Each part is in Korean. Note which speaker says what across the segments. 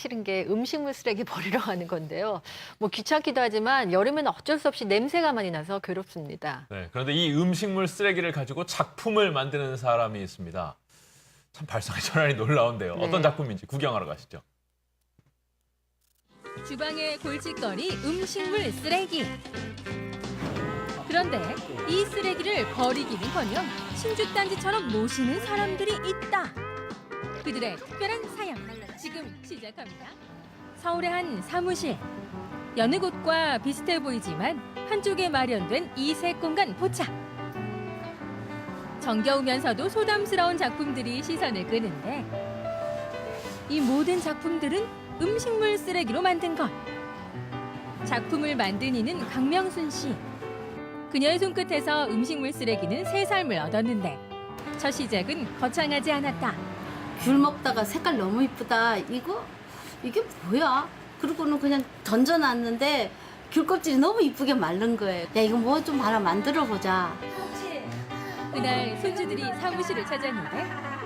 Speaker 1: 싫은 게 음식물 쓰레기 버리러 가는 건데요. 뭐 귀찮기도 하지만 여름에는 어쩔 수 없이 냄새가 많이 나서 괴롭습니다.
Speaker 2: 네, 그런데 이 음식물 쓰레기를 가지고 작품을 만드는 사람이 있습니다. 참 발상의 전환이 놀라운데요.
Speaker 1: 네.
Speaker 2: 어떤 작품인지 구경하러 가시죠.
Speaker 3: 주방의 골칫거리 음식물 쓰레기. 그런데 이 쓰레기를 버리기는커녕 신주단지처럼 모시는 사람들이 있다. 그들의 특별한 사양 지금 시작합니다. 서울의 한 사무실. 여느 곳과 비슷해 보이지만 한쪽에 마련된 이색 공간 포착. 정겨우면서도 소담스러운 작품들이 시선을 끄는데 이 모든 작품들은 음식물 쓰레기로 만든 것. 작품을 만든 이는 강명순 씨. 그녀의 손끝에서 음식물 쓰레기는 새 삶을 얻었는데 첫 시작은 거창하지 않았다.
Speaker 4: 귤 먹다가 색깔 너무 이쁘다. 이게 뭐야? 그러고는 그냥 던져놨는데 귤 껍질이 너무 이쁘게 마른 거예요. 야, 이거 뭐 좀 하나 만들어 보자.
Speaker 3: 그날 손주들이 사무실을 찾았는데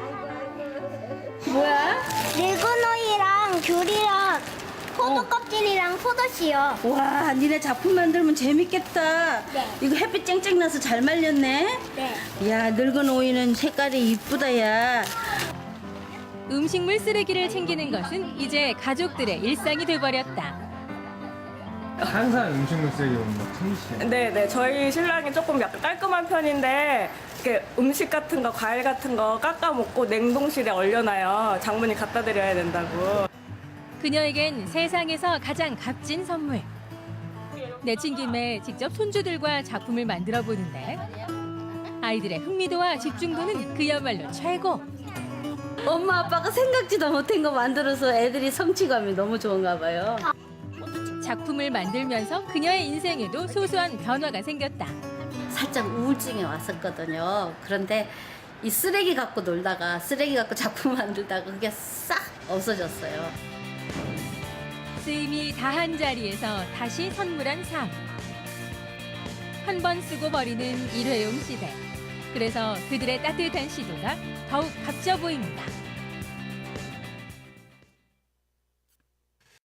Speaker 4: 뭐야?
Speaker 5: 늙은오이랑 귤이랑 포도 껍질이랑 포도씨요.
Speaker 4: 와, 니네 작품 만들면 재밌겠다.
Speaker 5: 네.
Speaker 4: 이거 햇빛 쨍쨍 나서 잘 말렸네.
Speaker 5: 네.
Speaker 4: 야, 늙은 오이는 색깔이 이쁘다, 야.
Speaker 3: 음식물 쓰레기를 챙기는 것은 이제 가족들의 일상이 돼버렸다.
Speaker 6: 항상 음식물 쓰레기 오는 거 챙기시죠?
Speaker 7: 네네, 저희 신랑이 조금 약간 깔끔한 편인데 이렇게 음식 같은 거, 과일 같은 거 깎아 먹고 냉동실에 얼려놔요. 장모님 갖다 드려야 된다고.
Speaker 3: 그녀에겐 세상에서 가장 값진 선물. 내친 김에 직접 손주들과 작품을 만들어 보는데 아이들의 흥미도와 집중도는 그야말로 최고.
Speaker 4: 엄마, 아빠가 생각지도 못한 거 만들어서 애들이 성취감이 너무 좋은가 봐요.
Speaker 3: 작품을 만들면서 그녀의 인생에도 소소한 변화가 생겼다.
Speaker 4: 살짝 우울증이 왔었거든요. 그런데 이 쓰레기 갖고 놀다가 쓰레기 갖고 작품 만들다가 그게 싹 없어졌어요.
Speaker 3: 쓰임이 다한 자리에서 다시 선물한 삶. 한 번 쓰고 버리는 일회용 시대. 그래서 그들의 따뜻한 시도가 더욱 값져 보입니다.